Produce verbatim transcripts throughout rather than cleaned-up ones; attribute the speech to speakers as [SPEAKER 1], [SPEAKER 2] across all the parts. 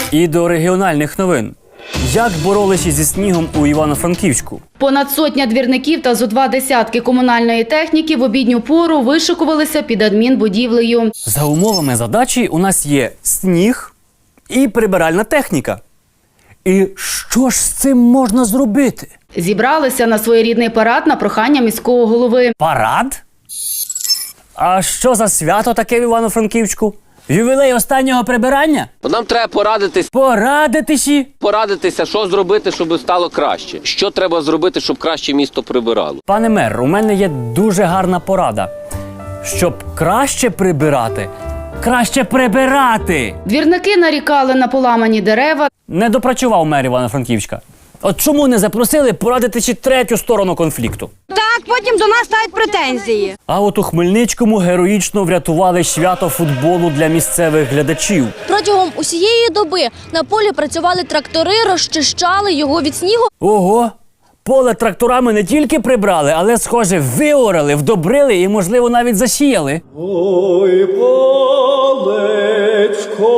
[SPEAKER 1] І до регіональних новин. Як боролися зі снігом у Івано-Франківську?
[SPEAKER 2] Понад сотня двірників та зо два десятки комунальної техніки в обідню пору вишикувалися під адмінбудівлею.
[SPEAKER 1] За умовами задачі у нас є сніг і прибиральна техніка. І що ж з цим можна зробити?
[SPEAKER 2] Зібралися на своєрідний парад на прохання міського голови.
[SPEAKER 1] Парад? А що за свято таке в Івано-Франківську? Ювілей останнього прибирання?
[SPEAKER 3] Нам треба порадитись,
[SPEAKER 1] Порадитися?
[SPEAKER 3] порадитися, що зробити, щоб стало краще. Що треба зробити, щоб краще місто прибирало.
[SPEAKER 1] Пане мер, у мене є дуже гарна порада. Щоб краще прибирати, краще прибирати!
[SPEAKER 2] Двірники нарікали на поламані дерева.
[SPEAKER 1] Не допрацював мер Івано-Франківська. От чому не запросили порадити ще третю сторону конфлікту?
[SPEAKER 4] Так, потім до нас ставить претензії.
[SPEAKER 1] А от у Хмельницькому героїчно врятували свято футболу для місцевих глядачів.
[SPEAKER 5] Протягом усієї доби на полі працювали трактори, розчищали його від снігу.
[SPEAKER 1] Ого! Поле тракторами не тільки прибрали, але, схоже, виорали, вдобрили і, можливо, навіть засіяли.
[SPEAKER 6] Ой, полечко,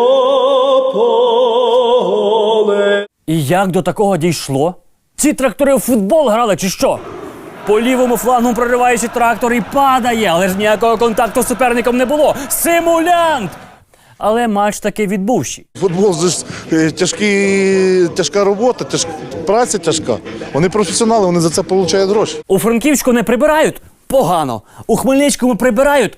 [SPEAKER 6] поле.
[SPEAKER 1] І як до такого дійшло? Ці трактори в футбол грали чи що? По лівому флангу прориваючи трактор і падає, але ж ніякого контакту з суперником не було. Симулянт! Але матч таки відбувся.
[SPEAKER 7] Футбол – це ж е, тяжкі, тяжка робота, тяж, праця тяжка. Вони професіонали, вони за це отримують гроші.
[SPEAKER 1] У Франківську не прибирають? Погано. У Хмельницькому прибирають?